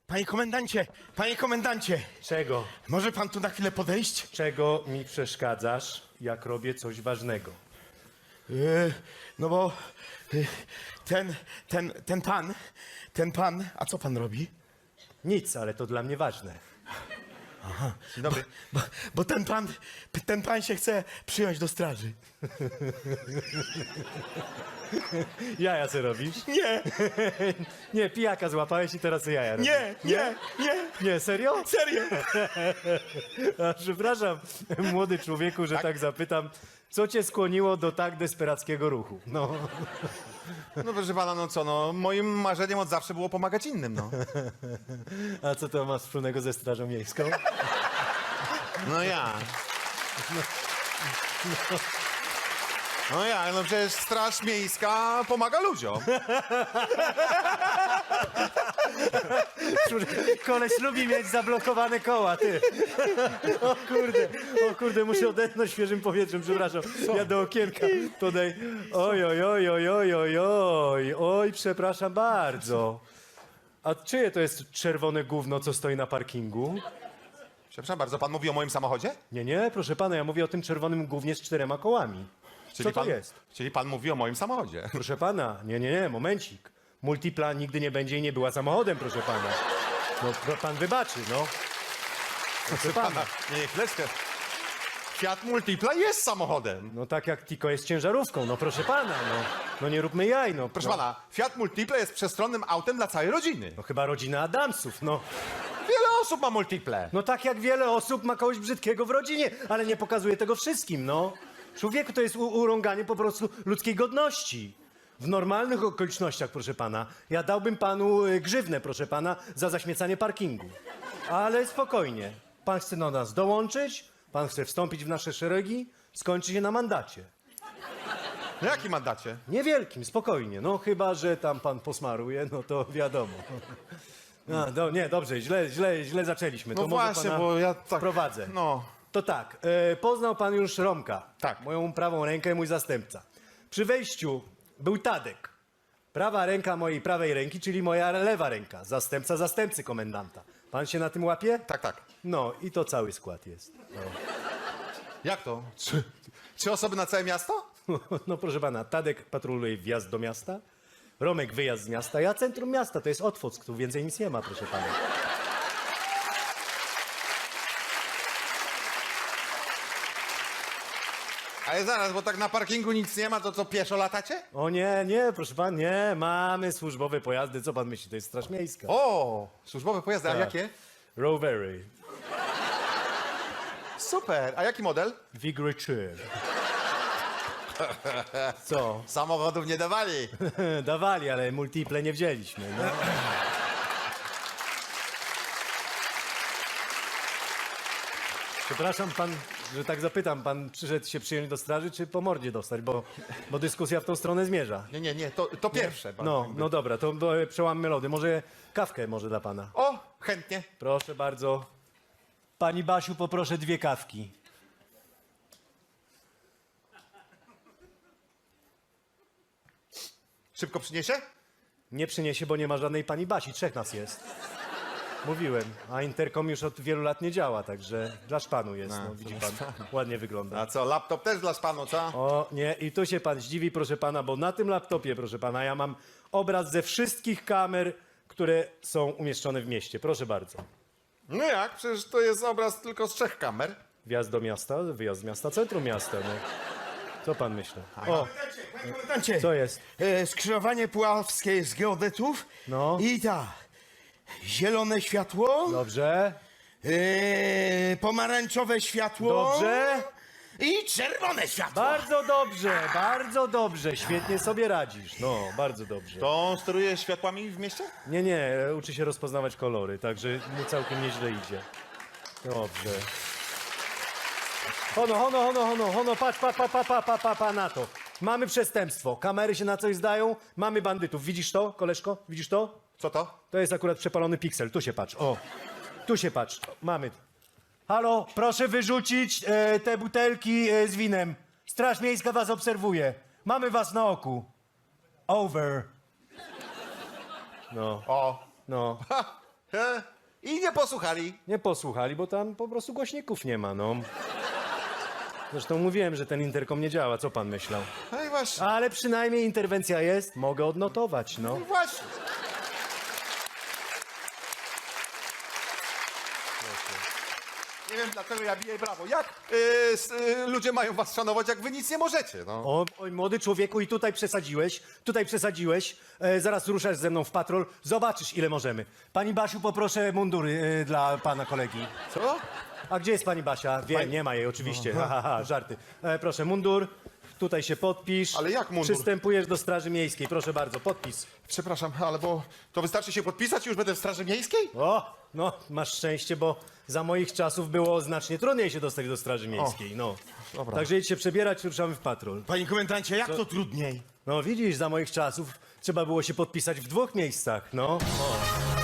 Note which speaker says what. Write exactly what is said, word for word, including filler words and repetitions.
Speaker 1: Panie komendancie, panie komendancie,
Speaker 2: Czego?
Speaker 1: może pan tu na chwilę podejść?
Speaker 2: Czego mi przeszkadzasz, jak robię coś ważnego?
Speaker 1: Yy, no bo yy, ten, ten, ten pan, ten pan, a co pan robi?
Speaker 2: Nic, ale to dla mnie ważne.
Speaker 1: Dzień dobry. Bo, bo ten pan, ten pan się chce przyjąć do straży.
Speaker 2: Jaja co robisz?
Speaker 1: Nie,
Speaker 2: Nie, pijaka złapałeś i teraz jaja robisz.
Speaker 1: nie, nie, nie,
Speaker 2: Nie, serio?
Speaker 1: serio.
Speaker 2: A, przepraszam, młody człowieku, że tak? zapytam. Co cię skłoniło do tak desperackiego ruchu? No,
Speaker 3: No proszę pana, no co, no moim marzeniem od zawsze było pomagać innym, no.
Speaker 2: a co to ma wspólnego ze Strażą Miejską?
Speaker 3: No ja. No ja, no przecież Straż Miejska pomaga ludziom.
Speaker 2: Koleś lubi mieć zablokowane koła, ty. O kurde, o kurde, muszę odetchnąć świeżym powietrzem, przepraszam. Ja do okienka podaj. Oj, oj, oj, oj, oj, oj, oj, oj, przepraszam bardzo. A czyje to jest czerwone gówno, co stoi na parkingu?
Speaker 3: Przepraszam bardzo, pan mówi o moim samochodzie?
Speaker 2: Nie, nie, proszę pana, ja mówię o tym czerwonym gównie z czterema kołami. Co to
Speaker 3: pan,
Speaker 2: jest?
Speaker 3: Czyli pan mówi o moim samochodzie.
Speaker 2: Proszę pana, nie, nie, nie, momencik. Multipla nigdy nie będzie i nie była samochodem, proszę pana. No, pro- pan wybaczy, no. Proszę pana.
Speaker 3: Nie, nie, chwileczkę. Fiat Multipla jest samochodem.
Speaker 2: No tak jak Tiko jest ciężarówką, no proszę pana, no. No nie róbmy jaj, no.
Speaker 3: Proszę
Speaker 2: no,
Speaker 3: pana, Fiat Multipla jest przestronnym autem dla całej rodziny.
Speaker 2: No chyba rodzina Adamsów, no.
Speaker 3: Wiele osób ma Multiple.
Speaker 2: No tak jak wiele osób ma kogoś brzydkiego w rodzinie, ale nie pokazuje tego wszystkim, no. Człowieku, to jest u- urąganie po prostu ludzkiej godności. W normalnych okolicznościach, proszę pana, ja dałbym panu y, grzywnę, proszę pana, za zaśmiecanie parkingu. Ale spokojnie. Pan chce do nas dołączyć, pan chce wstąpić w nasze szeregi, skończy się na mandacie.
Speaker 3: No jaki mandacie?
Speaker 2: Niewielkim, spokojnie. No chyba, że tam pan posmaruje, no to wiadomo. A, do, nie, dobrze, źle, źle, źle zaczęliśmy.
Speaker 3: No
Speaker 2: to może
Speaker 3: właśnie,
Speaker 2: pana
Speaker 3: bo ja tak...
Speaker 2: wprowadzę.
Speaker 3: No.
Speaker 2: To tak, e, poznał pan już Romka.
Speaker 3: Tak.
Speaker 2: Moją prawą rękę, mój zastępca. Przy wejściu był Tadek. Prawa ręka mojej prawej ręki, czyli moja lewa ręka. Zastępca zastępcy komendanta. Pan się na tym łapie?
Speaker 3: Tak, tak.
Speaker 2: No i to cały skład jest.
Speaker 3: Jak to? Trzy, trzy osoby na całe miasto?
Speaker 2: No proszę pana, Tadek patroluje wjazd do miasta, Romek wyjazd z miasta, ja centrum miasta, to jest Otwock, tu więcej nic nie ma, proszę pana.
Speaker 3: Ale zaraz, bo tak na parkingu nic nie ma, to co, pieszo latacie?
Speaker 2: O nie, nie, proszę pan, nie, mamy służbowe pojazdy, co pan myśli, to jest Straż Miejska.
Speaker 3: O, służbowe pojazdy, a
Speaker 2: Tak.
Speaker 3: jakie?
Speaker 2: Rowery,
Speaker 3: Super, a jaki model?
Speaker 2: Vigry trzy. Co?
Speaker 3: Samochodów nie dawali.
Speaker 2: Dawali, ale multiple nie wzięliśmy, no. Przepraszam pan, że tak zapytam, pan przyszedł się przyjąć do straży, czy po mordzie dostać, bo, bo dyskusja w tą stronę zmierza.
Speaker 3: Nie, nie, nie, to, to pierwsze. pan
Speaker 2: No,
Speaker 3: jakby.
Speaker 2: no dobra, to e, przełammy lody. Może kawkę może dla pana.
Speaker 3: O, chętnie.
Speaker 2: Proszę bardzo. Pani Basiu, poproszę dwie kawki.
Speaker 3: Szybko przyniesie?
Speaker 2: Nie przyniesie, bo nie ma żadnej pani Basi, trzech nas jest. Mówiłem, a interkom już od wielu lat nie działa, także dla szpanu jest, no, widzi pan, ładnie wygląda.
Speaker 3: A co, laptop też dla panu, co?
Speaker 2: O nie, i tu się pan zdziwi, proszę pana, bo na tym laptopie, proszę pana, ja mam obraz ze wszystkich kamer, które są umieszczone w mieście. Proszę bardzo.
Speaker 3: No jak, przecież to jest obraz tylko z trzech kamer.
Speaker 2: Wjazd do miasta, wyjazd z miasta, centrum miasta, no. Co pan myśli? O,
Speaker 1: Panie komendancie,
Speaker 2: co jest?
Speaker 1: e, skrzyżowanie puławskie z geodetów
Speaker 2: No.
Speaker 1: i tak, zielone światło,
Speaker 2: Dobrze,
Speaker 1: e, pomarańczowe światło
Speaker 2: dobrze.
Speaker 1: i czerwone światło.
Speaker 2: Bardzo dobrze, bardzo dobrze, świetnie sobie radzisz, no, bardzo dobrze.
Speaker 3: To on steruje światłami w mieście?
Speaker 2: Nie, nie, uczy się rozpoznawać kolory, także mu całkiem nieźle idzie. Dobrze. Hono, hono, hono, hono, hono, patrz, pa, pa, pa, pa, pa, pa, pa na to. Mamy przestępstwo, kamery się na coś zdają, mamy bandytów. Widzisz to, koleżko? Widzisz to?
Speaker 3: Co to?
Speaker 2: To jest akurat przepalony piksel, tu się patrz, o. Tu się patrz, mamy. Halo, proszę wyrzucić e, te butelki e, z winem. Straż Miejska was obserwuje. Mamy was na oku. Over. No,
Speaker 3: O,
Speaker 2: no.
Speaker 3: ha, E? I nie posłuchali.
Speaker 2: Nie posłuchali, bo tam po prostu głośników nie ma, no. Zresztą mówiłem, że ten interkom nie działa, co pan myślał?
Speaker 3: No i właśnie.
Speaker 2: Ale przynajmniej interwencja jest, mogę odnotować, no.
Speaker 3: No właśnie. Nie wiem, dlaczego ja biję brawo. Jak y, s, y, ludzie mają was szanować, jak wy nic nie możecie, no?
Speaker 2: O, oj, młody człowieku, i tutaj przesadziłeś, tutaj przesadziłeś. E, zaraz ruszasz ze mną w patrol, zobaczysz, ile możemy. Pani Basiu, poproszę mundury e, dla pana kolegi.
Speaker 3: Co?
Speaker 2: A gdzie jest pani Basia? Wiem, nie ma jej oczywiście. Ha, ha, ha, żarty. E, proszę, mundur, tutaj się podpisz.
Speaker 3: Ale jak mundur?
Speaker 2: Przystępujesz do Straży Miejskiej, proszę bardzo, podpis.
Speaker 3: Przepraszam, ale bo to wystarczy się podpisać i już będę w Straży Miejskiej?
Speaker 2: O, no, masz szczęście, bo za moich czasów było znacznie trudniej się dostać do Straży Miejskiej, no.
Speaker 3: dobra.
Speaker 2: Także idź się przebierać, ruszamy w patrol.
Speaker 1: Panie komendancie, jak to trudniej?
Speaker 2: No widzisz, za moich czasów trzeba było się podpisać w dwóch miejscach, no. O.